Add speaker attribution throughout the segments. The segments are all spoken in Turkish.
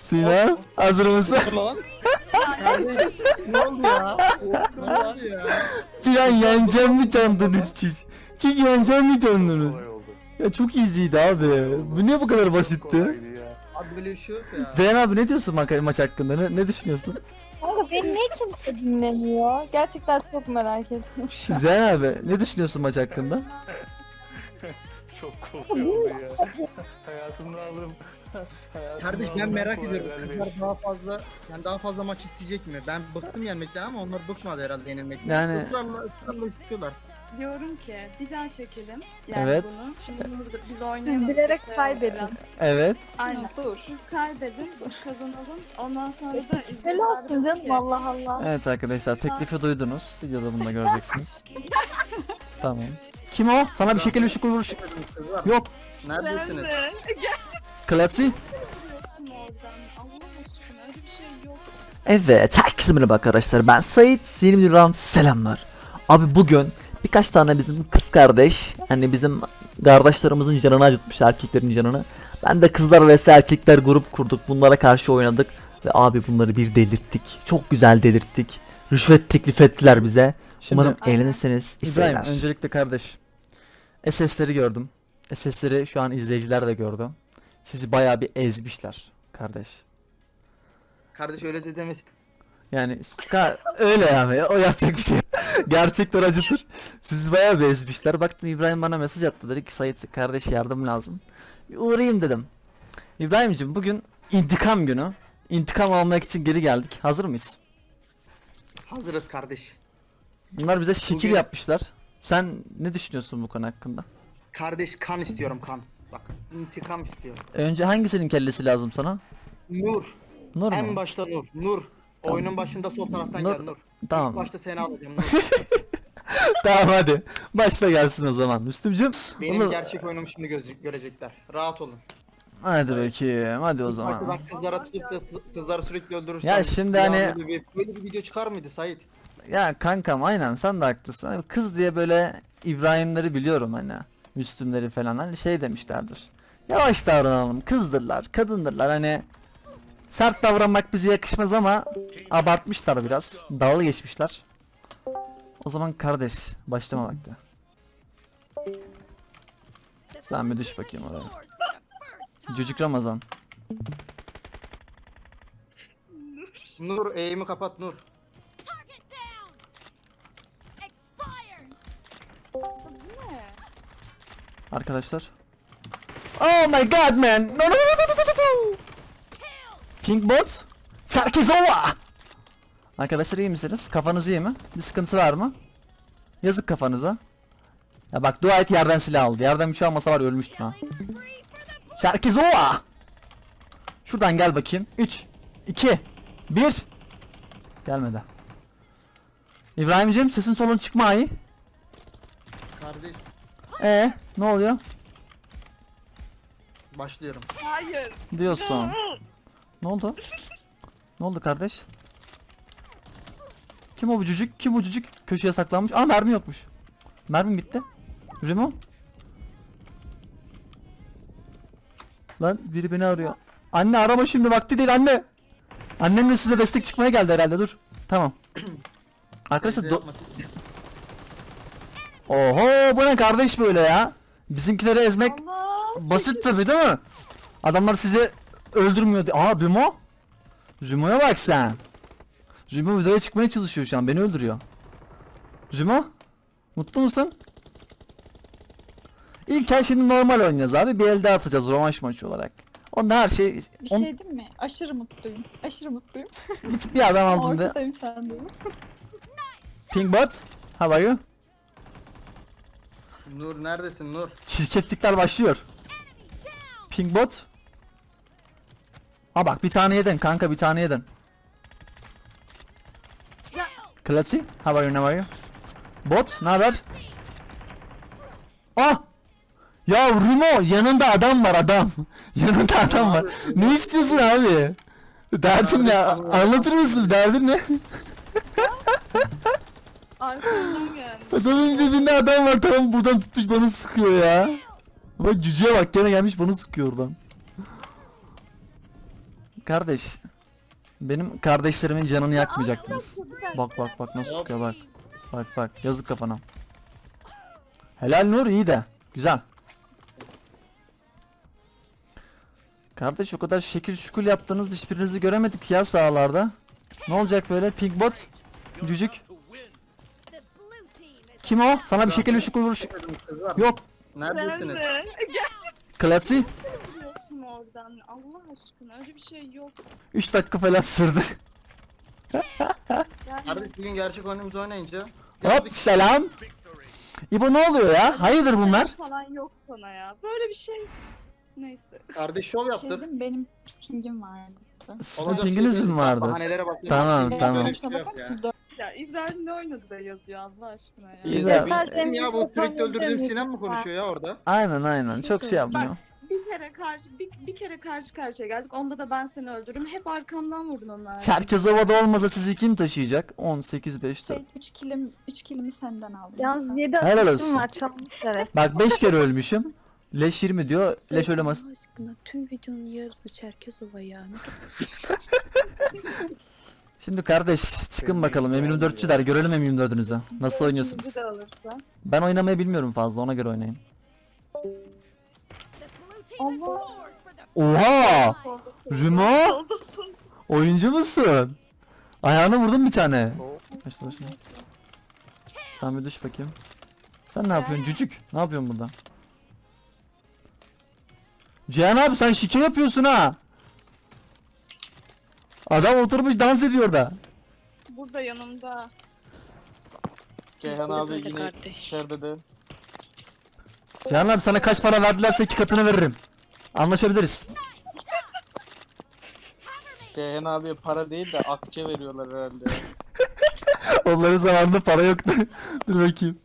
Speaker 1: Sinan hazır mısın?
Speaker 2: Dur lan.
Speaker 3: Kardeş ne oldu ya? Ne oldu ya?
Speaker 1: Sinan yeneceğim mi sandınız siz? Siz yeneceğim mi sandınız?
Speaker 4: Kolay oldu.
Speaker 1: Ya çok easy'ydi abi. Bu niye bu kadar basitti?
Speaker 4: Kolaydı ya.
Speaker 3: Abi böyle bir şey yok ya.
Speaker 1: Zeyn abi ne diyorsun maç hakkında? Ne düşünüyorsun?
Speaker 5: Kanka beni niye kimse dinlemiyor? Gerçekten çok merak ettim şu an.
Speaker 1: Zeyn abi ne düşünüyorsun maç hakkında?
Speaker 4: Çok kolay oldu ya. Hayatımda aldım.
Speaker 3: Kardeş ben merak ediyorum. Kızlar daha fazla maç isteyecek mi? Ben bıktım yenmekten ama onlar bıkmadı herhalde yenilmekten.
Speaker 1: Yani-
Speaker 3: ısrarla istiyorlar.
Speaker 6: Diyorum ki bir daha çekelim. Yani
Speaker 1: Evet.
Speaker 6: bunu. Şimdi burada biz oynayalım.
Speaker 5: Bilerek
Speaker 6: Şey
Speaker 5: kaybedin.
Speaker 6: yapalım.
Speaker 1: Evet.
Speaker 6: Aynen. Dur. Biz kaybedin, biz kazanalım. Ondan sonra da
Speaker 5: Helal
Speaker 6: izleyiciler
Speaker 5: olsun
Speaker 6: de
Speaker 5: canım
Speaker 6: ki,
Speaker 5: Allah Allah.
Speaker 1: Evet arkadaşlar teklifi duydunuz. Videoda bunu da göreceksiniz. Tamam. Kim o? Sana bir şekilde şükür vuruş.
Speaker 3: Kızlar
Speaker 1: Yok.
Speaker 3: neredesiniz?
Speaker 1: Klasi.
Speaker 6: Biliyorsun oradan. Allah aşkına öyle bir şey yok.
Speaker 1: Evet, herkese merhaba arkadaşlar. Ben Sait, yeni bir videodan selamlar. Abi bugün birkaç tane bizim kız kardeş, hani bizim kardeşlerimizin canını acıtmış, erkeklerin canını. Ben de kızlar vs erkekler grup kurduk. Bunlara karşı oynadık ve abi bunları bir delirttik. Çok güzel delirttik. Rüşvet teklif ettiler bize. Umarım eğlenirsiniz. İbrahim, öncelikle kardeş. SS'leri gördüm. SS'leri şu an izleyiciler de gördü. Sizi bayağı bir ezmişler kardeş.
Speaker 3: Kardeş öyle de demesin.
Speaker 1: Yani öyle yani o yapacak bir şey. Gerçekten acıtır. Sizi bayağı bir ezmişler. Baktım İbrahim bana mesaj attı, dedi ki Sait kardeş yardım lazım. Bir uğrayayım dedim. İbrahim'cim bugün intikam günü. İntikam almak için geri geldik. Hazır mıyız?
Speaker 3: Hazırız kardeş.
Speaker 1: Bunlar bize şekil
Speaker 3: Bugün-
Speaker 1: yapmışlar. Sen ne düşünüyorsun bu konu hakkında?
Speaker 3: Kardeş kan istiyorum kan. Bak intikam istiyorum.
Speaker 1: Önce hangisinin kellesi lazım sana?
Speaker 3: Nur.
Speaker 1: Nur mu?
Speaker 3: En başta Nur. Nur. Oyunun başında sol taraftan
Speaker 1: Nur-
Speaker 3: gel Nur.
Speaker 1: Tamam.
Speaker 3: İlk başta seni alacağım Nur.
Speaker 1: Tamam hadi. Başla gelsin o zaman. Müslümcüm.
Speaker 3: Benim
Speaker 1: Onu-
Speaker 3: gerçek oyunumu şimdi görecekler. Rahat olun.
Speaker 1: Hadi bakayım. Hadi o zaman.
Speaker 3: Bak kızlara tutup da kızları sürekli öldürürsen.
Speaker 1: Ya şimdi
Speaker 3: bir
Speaker 1: hani-
Speaker 3: anda böyle bir video çıkar mıydı Sait?
Speaker 1: Ya kankam aynen sen de haklısın. Hani kız diye böyle İbrahimleri biliyorum hani. Müslümleri falan hani şey demişlerdir. Yavaş davranalım. Kızdırlar, kadındırlar hani. Sert davranmak bize yakışmaz ama abartmışlar biraz. Dalga geçmişler. O zaman kardeş başlama vakti. Sen bir düş bakayım oraya. Cücük Ramazan.
Speaker 3: Nur eğimi kapat Nur.
Speaker 1: Arkadaşlar. Oh my god man. No no no no no no no. King bot. Çerkezova. Arkadaşlar iyi misiniz? Kafanız iyi mi? Bir sıkıntı var mı? Yazık kafanıza. Ya bak dua et yerden silah aldı. Yerden bir şey almasa var ya ölmüştüm ha. Çerkezova. Şuradan gel bakayım. 3 2 1. Gelmedi. İbrahimciğim sesin solun çıkma ayı.
Speaker 3: Kardeş
Speaker 1: Ne oluyor?
Speaker 3: başlıyorum.
Speaker 6: Hayır.
Speaker 1: Diyorsun. Ne oldu? Ne oldu kardeş? Kim o bu cücük? Kim bu cücük? Köşeye saklanmış. Aa mermi yokmuş. Mermim bitti. Remo? Lan biri beni arıyor. Anne arama şimdi vakti değil anne. Annem de size destek çıkmaya geldi herhalde dur. Tamam. Arkadaşlar
Speaker 3: Yapma.
Speaker 1: oho bu ne kardeş böyle ya? Bizimkileri ezmek
Speaker 6: Allah.
Speaker 1: basit tabi değil mi? Adamlar sizi öldürmüyor. Aa Remo? Remo'ya bak sen. Remo videoya çıkmaya çalışıyor şu an. Beni öldürüyor. Remo? Mutlu musun? İlk el şimdi normal oynayacağız abi. Bir elde atacağız rövanş maçı olarak. Onda her şey...
Speaker 6: Bir şey değil mi? Aşırı mutluyum. Aşırı mutluyum.
Speaker 1: Bir adam aldığında...
Speaker 6: Ortadayım sen de.
Speaker 1: Pingbot. How are you?
Speaker 3: Nur neredesin Nur?
Speaker 1: Çirkeflikler başlıyor. Pingbot. Aa bak bir tane yedin kanka bir tane yedin. Klasi. How are you, how are you? Bot ne haber? Ah! Ya Rimo yanında adam var adam. Yanında adam var. Ne istiyorsun abi? Derdin ne? Anlatır mısın? Derdin ne?
Speaker 6: Arkamdan geldi.
Speaker 1: Adamın dibinde adam var tamam buradan tutmuş bana sıkıyor ya. Bak cüceye bak gene gelmiş bana sıkıyor oradan. Kardeş. Benim kardeşlerimin canını yakmayacaktınız. Bak bak bak nasıl sıkıyor bak. Bak bak yazık kafana. Helal Nur iyi de. Güzel. Kardeş o kadar şekil şukul yaptınız hiçbirinizi göremedik ya sahalarda. Ne olacak böyle pink bot? Cücük. Kim o? Sana bir şekil şukul vuruş.
Speaker 3: Kızlar
Speaker 1: Yok.
Speaker 3: neredesiniz?
Speaker 1: Klasi.
Speaker 6: Biliyorsun oradan. Allah aşkına öyle bir şey yok.
Speaker 1: 3 dakika falan sürdü.
Speaker 6: Yani
Speaker 3: Kardeş bugün gerçek oyunumuzu oynayınca.
Speaker 1: Hop selam. İbo ne oluyor ya? Hayırdır bunlar?
Speaker 6: falan yok sana ya. Böyle bir şey. Neyse.
Speaker 3: Kardeş şov yaptım.
Speaker 2: Şeydim, benim pingim vardı.
Speaker 1: Sizin
Speaker 3: Olacak
Speaker 1: pinginiz
Speaker 3: şey
Speaker 1: mi
Speaker 3: değil.
Speaker 1: vardı?
Speaker 3: Bahanelere bak.
Speaker 1: Tamam,
Speaker 3: Böyle
Speaker 1: tamam.
Speaker 3: bir şey yok ya.
Speaker 2: Siz dört
Speaker 6: Ya İbrahim ne oynadı da yazıyor Allah aşkına ya.
Speaker 1: İyi
Speaker 3: Ya,
Speaker 1: de-
Speaker 3: benim ya bu sürekli öldürdüğüm Sinem mi konuşuyor ya orada?
Speaker 1: Aynen çok şey yapmıyor.
Speaker 6: Bir kere karşı karşıya geldik. Onda da ben seni öldürürüm. Hep arkamdan vurdun onlar.
Speaker 1: Çerkezova'da olmasa sizi kim taşıyacak? 18 5 4.
Speaker 2: 3 kilimi senden aldım.
Speaker 5: Yalnız 7
Speaker 1: Helal olsun.
Speaker 5: asistim var çalmışlar hep.
Speaker 1: Bak 5 kere ölmüşüm. Leş 20 diyor. Leş ölemez.
Speaker 7: Allah aşkına tüm videonun yarısı Çerkezova ya.
Speaker 1: Şimdi kardeş çıkın bakalım M24'çüler görelim M24'ünüzü. Nasıl oynuyorsunuz?
Speaker 6: İkinci de alırsa.
Speaker 1: Ben oynamayı bilmiyorum fazla ona göre oynayayım.
Speaker 6: Allah.
Speaker 1: Oha! Rümo!
Speaker 6: Soldasın.
Speaker 1: Oyuncu musun? Ayağına vurdum bir tane. Başla başla. Sen bir düş bakayım. Sen ne yapıyorsun cücük? Ne yapıyorsun burada? Cihan abi sen şike yapıyorsun ha. Adam oturmuş dans ediyor da.
Speaker 6: Burada yanımda.
Speaker 8: Ceyhan abi
Speaker 7: Böyle
Speaker 8: yine
Speaker 7: kardeş.
Speaker 8: içeride de.
Speaker 1: Cihan abi sana kaç para verdilerse 2 katını veririm. Anlaşabiliriz.
Speaker 8: Ceyhan abiye para değil de akçe veriyorlar herhalde.
Speaker 1: Onların zamanında para yoktu. Dur bakayım.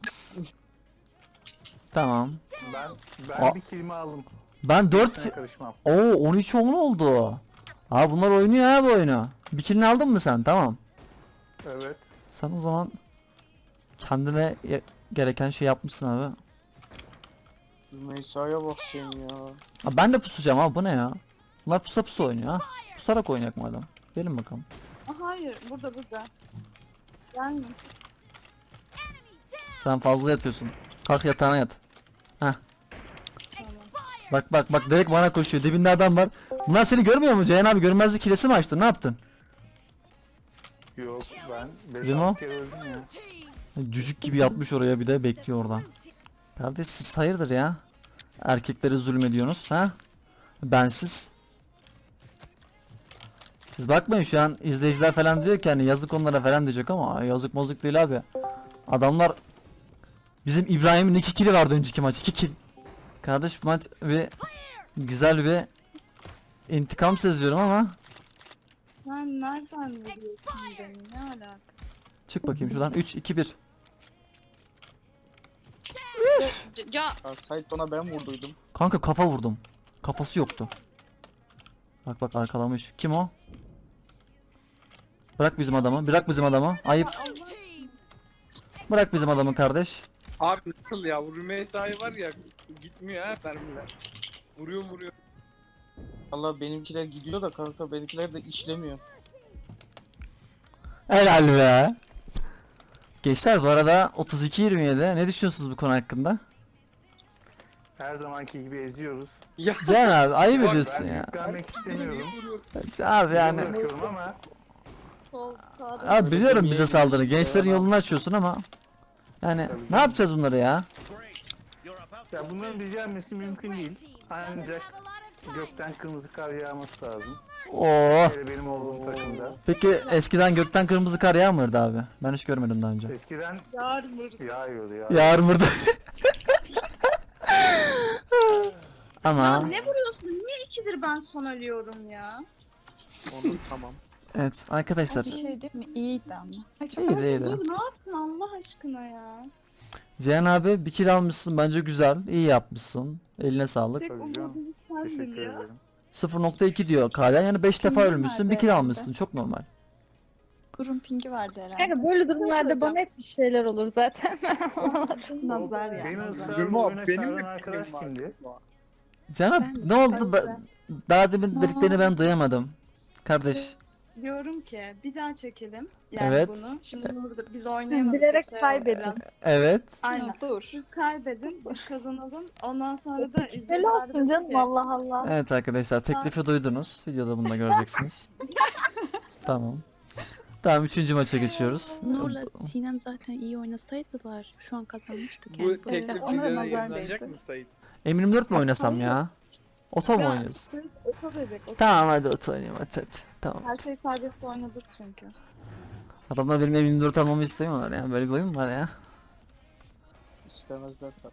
Speaker 1: Tamam.
Speaker 4: Ben
Speaker 1: Aa.
Speaker 4: bir kelime aldım.
Speaker 1: Ben 4
Speaker 4: Sana karışmam.
Speaker 1: Oo 13-10 oldu. Aa bunlar oynuyor ha bu oyunu. Bir kilini aldın mı sen? Tamam.
Speaker 4: Evet.
Speaker 1: Sen o zaman kendine gereken şey yapmışsın abi.
Speaker 8: Meysa'ya bak sen ya.
Speaker 1: Abi ben de pusacağım abi bu ne ya? Bunlar pusa pusa oynuyor ha. Pusarak oynayak madem. Gelin bakalım.
Speaker 6: Hayır burada. Gelme.
Speaker 1: Sen fazla yatıyorsun. Kalk yatağına yat. Heh. Bak bak bak direkt bana koşuyor. Dibinde adam var. Bunlar seni görmüyor mu? Ceyhan abi görmezlik hilesi mi açtın? Ne yaptın?
Speaker 4: Yok ben
Speaker 1: Rimo?
Speaker 4: 5-6 kere öldüm ya.
Speaker 1: Cücük gibi yatmış oraya bir de bekliyor oradan. Kardeş siz hayırdır ya? Erkeklere zulmediyorsunuz ha? Bensiz. Siz bakmayın şu an izleyiciler falan diyor ki hani yazık onlara falan diyecek ama yazık mozuk değil abi. Adamlar bizim İbrahim'in 2 kili vardı önceki maç 2 kill. Kardeş bu maç bir güzel bir intikam seziyorum ama
Speaker 6: Sen nereden biliyorsun beni? Ne alaka?
Speaker 1: çık bakayım şuradan 3 2 1.
Speaker 6: Ya
Speaker 8: Ya Sait bana ben vurduydum.
Speaker 1: Kanka kafa vurdum. Kafası yoktu. Bak bak arkalamış. Kim o? Bırak bizim adamı. Bırak bizim adamı. Ayıp. Bırak bizim adamı kardeş.
Speaker 9: Abi nasıl ya? Bu Rümeysa'yı var ya gitmiyor ha mermiler. Vuruyor.
Speaker 8: Valla benimkiler gidiyor da kanka benimkiler de işlemiyor.
Speaker 1: Helal be. Gençler bu arada 32-27. Ne düşünüyorsunuz bu konu hakkında?
Speaker 4: Her zamanki gibi eziyoruz.
Speaker 9: Ya
Speaker 1: Cihan abi ayıp
Speaker 9: Bak,
Speaker 1: ediyorsun
Speaker 4: Ben
Speaker 1: ya.
Speaker 4: yüklenmek istemiyorum.
Speaker 1: Abi yani.
Speaker 4: Bırakıyorum ama
Speaker 6: sol sağda.
Speaker 1: Abi biliyorum bize saldırı. Gençlerin yolunu açıyorsun ama. Yani ne yapacağız bunları ya?
Speaker 4: ya bunların düzelmesi mümkün değil. Ancak gökten kırmızı kar yağması lazım.
Speaker 1: Oo.
Speaker 4: Hele benim olduğum takımda.
Speaker 1: Peki eskiden gökten kırmızı kar yağmırdı abi. Ben hiç görmedim daha önce.
Speaker 4: Eskiden
Speaker 6: Yarmır.
Speaker 4: yağıyordu ya.
Speaker 1: Yağmurda.
Speaker 6: Ya
Speaker 1: Ama
Speaker 6: ne vuruyorsun? Niye ikidir ben son ölüyorum ya?
Speaker 8: Onu tamam.
Speaker 1: evet arkadaşlar.
Speaker 2: Bir şey değil mi? İyiydi ama. Ay, çok
Speaker 1: İyiydi iyiydi.
Speaker 6: Dur ne yaptın Allah aşkına ya?
Speaker 1: Cihan abi bir kill almışsın bence güzel. İyi yapmışsın. Eline sağlık.
Speaker 6: Tek
Speaker 4: Tabii canım.
Speaker 6: umudum sendin
Speaker 4: Teşekkür
Speaker 6: ya.
Speaker 4: ederim.
Speaker 1: 0.2 diyor Kalen yani 5 defa
Speaker 2: Kimden
Speaker 1: ölmüşsün
Speaker 2: verdi
Speaker 1: bir kill
Speaker 2: herhalde?
Speaker 1: almışsın çok normal.
Speaker 2: Burun pingi vardı herhalde.
Speaker 5: Kanka böyle durumlarda bana hep bir şeyler olur zaten.
Speaker 2: Nazar ya.
Speaker 4: Beni
Speaker 2: nazar.
Speaker 4: ısrarla oyuna çağıran arkadaş kimdi?
Speaker 1: Cihan abi ne oldu? Daha demin dediklerini ben duyamadım. Kardeş.
Speaker 6: Diyorum ki bir daha çekelim. Yani
Speaker 1: Evet.
Speaker 6: bunu. Şimdi burada biz oynayamadık.
Speaker 5: Bilerek
Speaker 6: şey oldu
Speaker 5: kaybedin.
Speaker 6: biraz.
Speaker 1: Evet.
Speaker 6: Aynen.
Speaker 2: Yok, dur.
Speaker 6: Siz kaybedin, biz kazanalım. Ondan sonra da
Speaker 5: Öyle olsun canım, Allah Allah.
Speaker 1: Evet arkadaşlar, teklifi duydunuz. Videoda bunu da göreceksiniz. Tamam. Tamam, 3. maça geçiyoruz.
Speaker 7: Nur'la Sinem zaten iyi oynasaydılar şu an kazanmıştık
Speaker 9: Bu
Speaker 7: yani.
Speaker 9: teklif
Speaker 2: Onlara
Speaker 9: videoda
Speaker 2: nazar
Speaker 9: yayınlanacak
Speaker 2: değdi.
Speaker 9: mı Sait?
Speaker 1: M24 mi oynasam ya? Oto mu oynuyoruz?
Speaker 6: Siz oto dedik. Oto.
Speaker 1: Tamam hadi oto oynayayım hadi. Tamam.
Speaker 6: Her şey serbest oynadık çünkü.
Speaker 1: Adamlar benim M24 almamı istemiyorlar ya. Böyle bir oyun mu var ya?
Speaker 8: İstemezler tabii.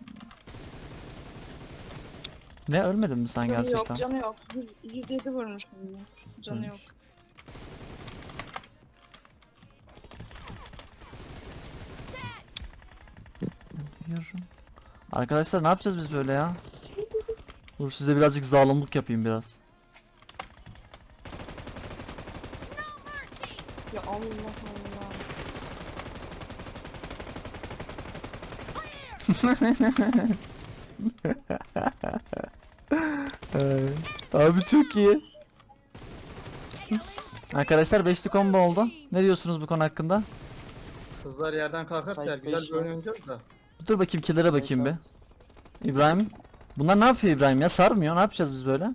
Speaker 1: Ne, ölmedin mi sen
Speaker 6: Canı
Speaker 1: gerçekten?
Speaker 6: yok, canı yok. 107 vurmuşum. Canı yok.
Speaker 1: Yürü. Arkadaşlar ne yapacağız biz böyle ya? Dur size birazcık zalimlik yapayım biraz.
Speaker 6: Ya Allah Allah.
Speaker 1: Abi çok iyi. Arkadaşlar 5'li combo oldu. Ne diyorsunuz bu konu hakkında?
Speaker 3: Kızlar yerden kalkarsa
Speaker 8: Hayır,
Speaker 3: güzel
Speaker 8: beş
Speaker 3: bir oyun
Speaker 8: ya.
Speaker 3: oynayacağız da.
Speaker 1: Dur bakayım, killere bakayım bir. İbrahim. Bunlar ne yapıyor İbrahim ya? Sarmıyor. Ne yapacağız biz böyle?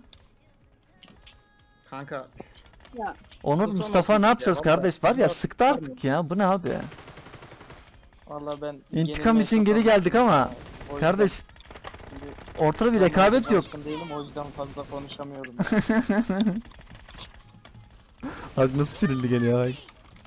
Speaker 3: Kanka
Speaker 1: Onur,
Speaker 3: Bu
Speaker 1: Mustafa
Speaker 3: son
Speaker 1: ne yapacağız
Speaker 3: ya, vallahi.
Speaker 1: kardeş? Var ya,
Speaker 3: Bunlar
Speaker 1: sıktı artık ya. Bu ne abi?
Speaker 8: Valla ben
Speaker 1: İntikam
Speaker 8: yenilmeye
Speaker 1: için geri
Speaker 8: kapalı-
Speaker 1: geldik ama
Speaker 8: O yüzden
Speaker 1: kardeş
Speaker 8: şimdi
Speaker 1: ortada bir rekabet yok.
Speaker 8: alışkın değilim, o yüzden fazla konuşamıyorum.
Speaker 1: Bak nasıl sinirli geliyor ay.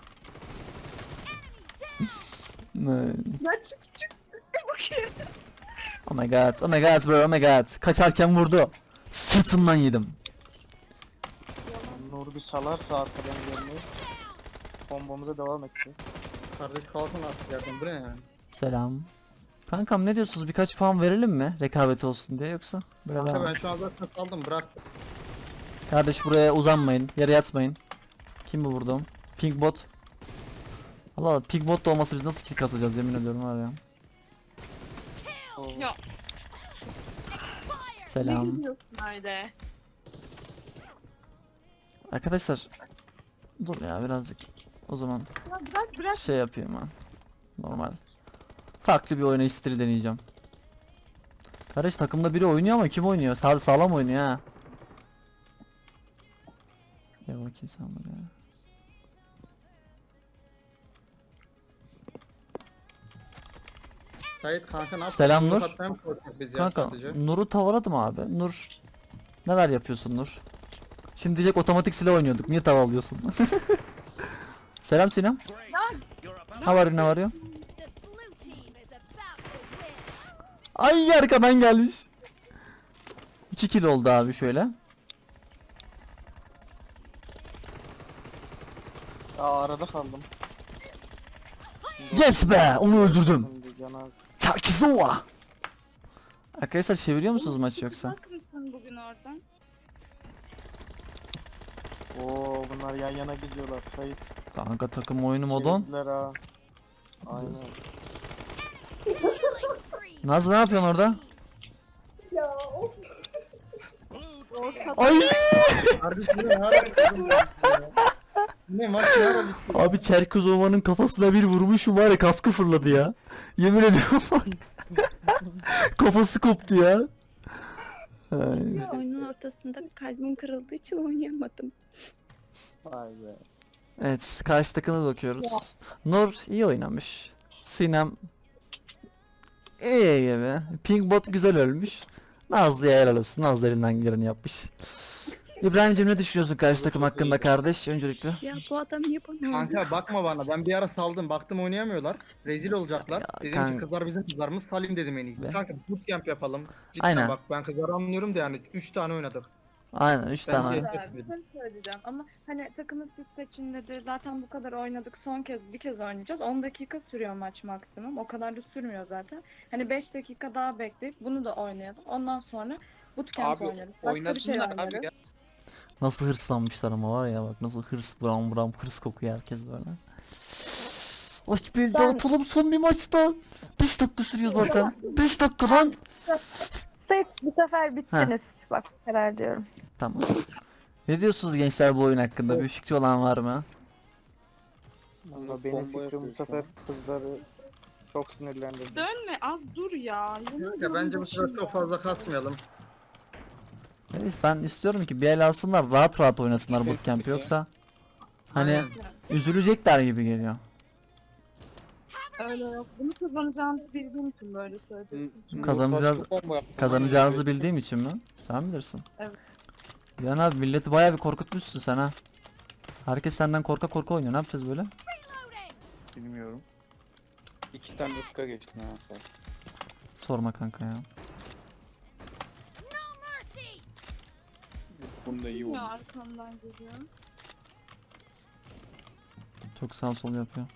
Speaker 6: Ya çık. Bakayım.
Speaker 1: Oh my god, oh my god bro, oh my god. Kaçarken vurdu. Sırtından yedim.
Speaker 8: Nur bir salarsa arkadan gelmeyi. Bombomuza devam etti.
Speaker 3: kardeş kalkın artık yerden, bu ne yani?
Speaker 1: Selam. Kankam ne diyorsunuz? Birkaç puan verelim mi? Rekabet olsun diye, yoksa böyle
Speaker 3: Kanka
Speaker 1: devam.
Speaker 3: ben şu an zaten saldım, bırak.
Speaker 1: Kardeş buraya uzanmayın. Yere yatmayın. Kim bu vurdum? Pink bot. Allah Allah, pink bot da olmasa biz nasıl kill kasacağız, yemin ediyorum var ya.
Speaker 8: O
Speaker 6: Ya ne
Speaker 1: Selam.
Speaker 6: gidiyorsun öyle?
Speaker 1: Arkadaşlar. Dur ya birazcık. O zaman
Speaker 6: Ya bırak.
Speaker 1: şey yapayım ben. Normal. Farklı bir oynayış stili deneyeceğim. Kardeş takımda biri oynuyor ama kim oynuyor? Sağlam oynuyor ha. Ya bakayım sen buraya.
Speaker 3: Sait kanka ne yapıyorsun?
Speaker 1: Selam
Speaker 3: Yumruk
Speaker 1: Nur.
Speaker 3: atmaya mı korkacak biz ya
Speaker 1: Kanka
Speaker 3: sadece?
Speaker 1: Nur'u tavaladım abi. Nur. Neler yapıyorsun Nur? Şimdi diyecek otomatik silah oynuyorduk. Niye tavalıyorsun? Selam Sinem. Ne var, ne var ya? Ay arkadan gelmiş. 2 kill oldu abi şöyle.
Speaker 8: arada kaldım.
Speaker 1: Yes be, onu öldürdüm.
Speaker 8: Şimdi cana-
Speaker 1: Çarkizova. Arkadaşlar çeviriyor musunuz maçı yoksa?
Speaker 6: Bak mısın bugün oradan?
Speaker 8: Oo bunlar yan yana gidiyorlar. Sayı
Speaker 1: Kanka takım oyunu modon.
Speaker 8: çevirdiler ha. Aynen.
Speaker 1: Nazlı ne yapıyorsun orada?
Speaker 6: Orta
Speaker 1: Ay!
Speaker 3: Kardeş bu ne ara bitirdin ya? Ne maç ne ara bitti?
Speaker 1: Abi Çerkezova'nın kafasına bir vurmuşum var ya, kaskı fırladı ya. Yemin ediyorum. Kafası koptu ya. Ay.
Speaker 7: Oyunun ortasında kalbim kırıldığı için oynayamadım.
Speaker 8: Vay be.
Speaker 1: Evet, karşı takıma bakıyoruz. Nur iyi oynamış. Sinem iyi gibi. Pinkbot güzel ölmüş. Nazlı'ya helal olsun. Nazlı elinden geleni yapmış. İbrahim'cim ne düşünüyorsun karşı takım hakkında kardeş öncelikle?
Speaker 7: Ya bu adam niye bana oynuyor?
Speaker 3: Kanka bakma bana, ben bir ara saldım, baktım oynayamıyorlar, rezil olacaklar. Dedim
Speaker 1: kanka.
Speaker 3: ki kızlar bizim kızlarımız, salayım dedim en iyisi.
Speaker 1: Be.
Speaker 3: Kanka bootcamp yapalım. Cidden
Speaker 1: Aynen.
Speaker 3: bak, ben kızları anlıyorum da yani 3 tane oynadık.
Speaker 1: Aynen 3 tane.
Speaker 3: Bence-
Speaker 1: oyun.
Speaker 6: Bir şey söyleyeceğim ama hani takımı siz seçin dedi. Zaten bu kadar oynadık. Son kez bir kez oynayacağız. 10 dakika sürüyor maç maksimum. O kadar da sürmüyor zaten. Hani 5 dakika daha bekleyip bunu da oynayalım. Ondan sonra bootcamp
Speaker 9: Abi
Speaker 6: oynarız. Başka bir şey
Speaker 9: oynasınlar abi
Speaker 6: oynarız.
Speaker 9: ya.
Speaker 1: Nasıl hırslanmışlar ama var ya, bak nasıl hırs, buram buram hırs kokuyor herkes böyle. Ay bir dağıtalım son bir maçta. 5 dakika sürüyor zaten. 5 dakikadan.
Speaker 5: Sayıp bu sefer bittiniz. Bak karar diyorum.
Speaker 1: Tamam. Ne diyorsunuz gençler bu oyun hakkında? Bir fikri olan var mı?
Speaker 8: Ama benim fikrim bu sefer kızları çok sinirlendirdi.
Speaker 6: Dönme az dur ya.
Speaker 3: Ya bence bu sefer çok fazla kasmayalım.
Speaker 1: Neyse, ben istiyorum ki bir el alsınlar, rahat rahat oynasınlar bootcamp, yoksa hani
Speaker 3: Aynen.
Speaker 1: üzülecekler gibi geliyor.
Speaker 6: Öyle yok. Bunu kazanacağımızı bildiğim için böyle söyledim.
Speaker 1: Kazanacağınızı bildiğim için mi? Sen bilirsin.
Speaker 6: Evet.
Speaker 1: Cihan abi, milleti bayağı bir korkutmuşsun sen ha. Herkes senden korka korka oynuyor. Ne yapacağız böyle?
Speaker 4: Bilmiyorum.
Speaker 9: 2 tane ıska geçtin ha sen.
Speaker 1: Sorma kanka ya.
Speaker 9: Bunda iyi oldu.
Speaker 6: Ya arkamdan geliyor.
Speaker 1: Çok sağ sol yapıyor.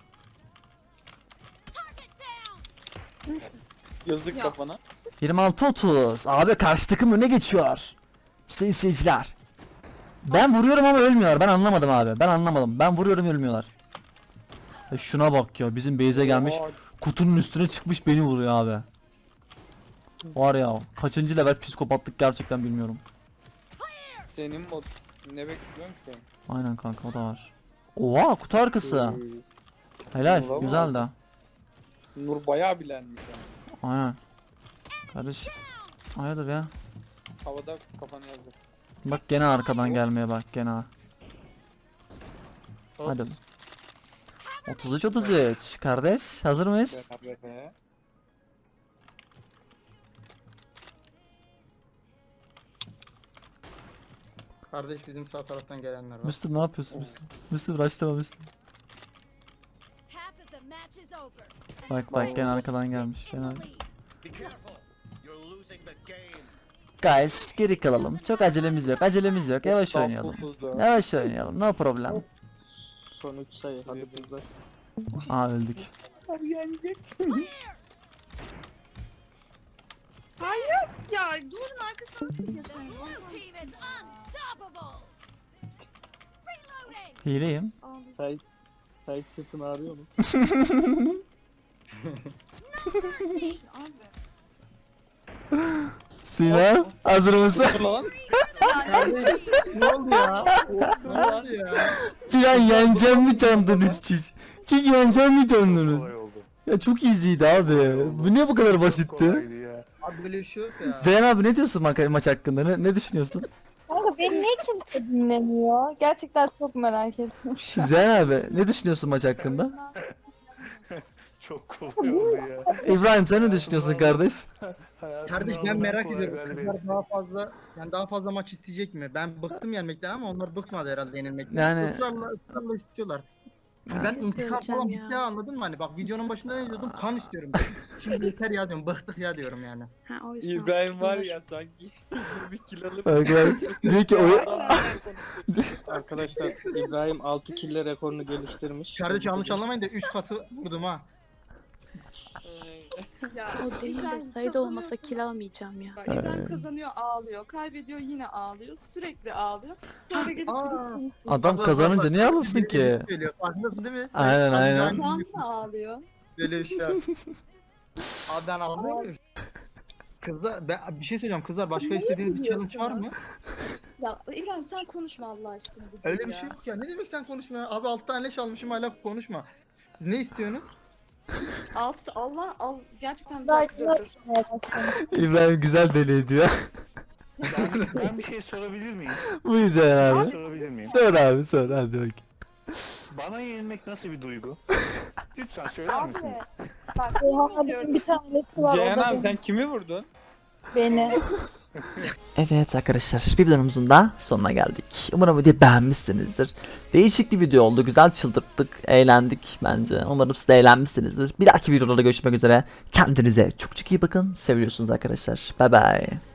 Speaker 9: Yazık
Speaker 6: Ya.
Speaker 9: kafana.
Speaker 1: 26-30. Abi karşı takım öne geçiyor. Sayın seyirciler. Ben vuruyorum ama ölmüyorlar. Ben anlamadım abi. Ben anlamadım. Ben vuruyorum, ölmüyorlar. Şuna bak ya. Bizim base'e gelmiş.
Speaker 9: Oha,
Speaker 1: Kutunun üstüne çıkmış, beni vuruyor abi. Var ya. Kaçıncı level psikopatlık gerçekten bilmiyorum.
Speaker 9: senin mod ne bekliyorsun ki?
Speaker 1: Aynen kanka, o da var. Oha, kutu arkası. Helal.
Speaker 9: Olamaz.
Speaker 1: Güzel de.
Speaker 9: Nur bayağı bilenmiş yani.
Speaker 1: Aynen. Kardeş. Hayırdır ya.
Speaker 9: Havada kafanı yazdı.
Speaker 1: Bak gene arkadan gelmeye bak gene. Hadi. 33-33. Kardeş hazır mıyız?
Speaker 9: Beraber be.
Speaker 3: Kardeş bizim sağ taraftan gelenler var.
Speaker 1: Müslüm ne yapıyorsun Müslüm? Müslüm raşlama Müslüm. Bak bak gene arkadan gelmiş. Gene. Guys geri kalalım. Çok acelemiz yok. Acelemiz yok. Yavaş
Speaker 9: Tam
Speaker 1: oynayalım.
Speaker 9: topuzda.
Speaker 1: Yavaş oynayalım. No problem.
Speaker 8: Son 3 sayı hadi kızlar.
Speaker 1: Aa öldük.
Speaker 6: Ya duvarın arkasına.
Speaker 1: Hileyim.
Speaker 8: Say sırtın ağrıyor mu?
Speaker 1: Sinan hazır mısın?
Speaker 9: Lan.
Speaker 3: Kardeş ne oldu ya? Ne oldu ya?
Speaker 1: Sinan yeneceğim mi sandınız siz? Siz yeneceğim mi sandınız?
Speaker 4: Kolay oldu.
Speaker 1: Ya çok easy'ydi abi. Bu niye bu kadar basitti?
Speaker 4: Kolaydı ya.
Speaker 3: Abi böyle bir şey yok ya.
Speaker 1: Zeyn abi ne diyorsun maç hakkında? Ne düşünüyorsun?
Speaker 5: Kanka beni niye kimse dinlemiyor? Gerçekten çok merak ediyorum şu an.
Speaker 1: Zeyn abi ne düşünüyorsun maç hakkında?
Speaker 4: Çok kolay oldu ya.
Speaker 1: İbrahim sen ne düşünüyorsun kardeş?
Speaker 3: Kardeş ben
Speaker 4: Hayatımda
Speaker 3: merak
Speaker 4: kolay
Speaker 3: ediyorum.
Speaker 4: galibiyet.
Speaker 3: Kızlar daha fazla maç isteyecek mi? Ben bıktım yenmekten ama onlar bıkmadı herhalde yenilmekten.
Speaker 1: Yani-
Speaker 3: Israrla istiyorlar.
Speaker 1: Ya.
Speaker 3: Ben intikam
Speaker 7: söyleyeceğim
Speaker 3: falan
Speaker 7: ya.
Speaker 3: bitti anladın mı? Hani bak videonun başında ne diyordum? Kan istiyorum. Şimdi yeter ya diyorum. Bıktık ya diyorum yani.
Speaker 7: Ha, o yüzden
Speaker 9: İbrahim var
Speaker 7: artık
Speaker 9: ya sanki bir kill alıp
Speaker 1: Bak diyor ki
Speaker 8: Arkadaşlar İbrahim 6 kille rekorunu geliştirmiş.
Speaker 3: Kardeş yanlış anlamayın da 3 katı vurdum ha.
Speaker 6: Ya,
Speaker 7: o değil de
Speaker 6: İbrahim
Speaker 7: sayıda
Speaker 6: kazanıyor,
Speaker 7: olmasa kill almayacağım ya.
Speaker 6: Bak, İbrahim kazanıyor ağlıyor. Kaybediyor yine ağlıyor. Sürekli ağlıyor. Sonra gelip
Speaker 3: Aa.
Speaker 1: adam kazanınca niye alırsın ki?
Speaker 3: Söylüyor. Farkındasın değil mi?
Speaker 1: Aynen, aynen.
Speaker 6: şu an da ağlıyor.
Speaker 3: Böyle bir şey yok. Abi ben anlamıyorum. Kızlar bir şey söyleyeceğim kızlar başka istediğiniz bir challenge var mı?
Speaker 6: Ya İbrahim sen konuşma Allah aşkına.
Speaker 3: Öyle bir şey yok ya. Ne demek sen konuşma ya? Abi 6 tane leş almışım hala konuşma. Siz ne istiyorsunuz?
Speaker 6: Allah gerçekten
Speaker 5: Daha
Speaker 6: bir kızıyoruz.
Speaker 1: İbrahim güzel deli ediyor.
Speaker 4: Ben bir şey sorabilir miyim?
Speaker 1: Bu Zeyn
Speaker 4: Bir
Speaker 1: abi.
Speaker 4: şey sorabilir miyim?
Speaker 1: Sor abi sor hadi bak.
Speaker 4: Bana yenilmek nasıl bir duygu? Lütfen söyler misiniz?
Speaker 6: Bak
Speaker 5: Oha bir tanesi var.
Speaker 9: Ceyhan
Speaker 5: o da
Speaker 9: abi sen kimi vurdun?
Speaker 5: beni.
Speaker 1: Evet arkadaşlar bir videomuzun da sonuna geldik. Umarım videoyu beğenmişsinizdir. Değişik bir video oldu. Güzel çıldırttık. Eğlendik bence. Umarım siz de eğlenmişsinizdir. Bir dahaki videolarda görüşmek üzere. Kendinize çok çok iyi bakın. Seviyorsunuz arkadaşlar. Bye bye.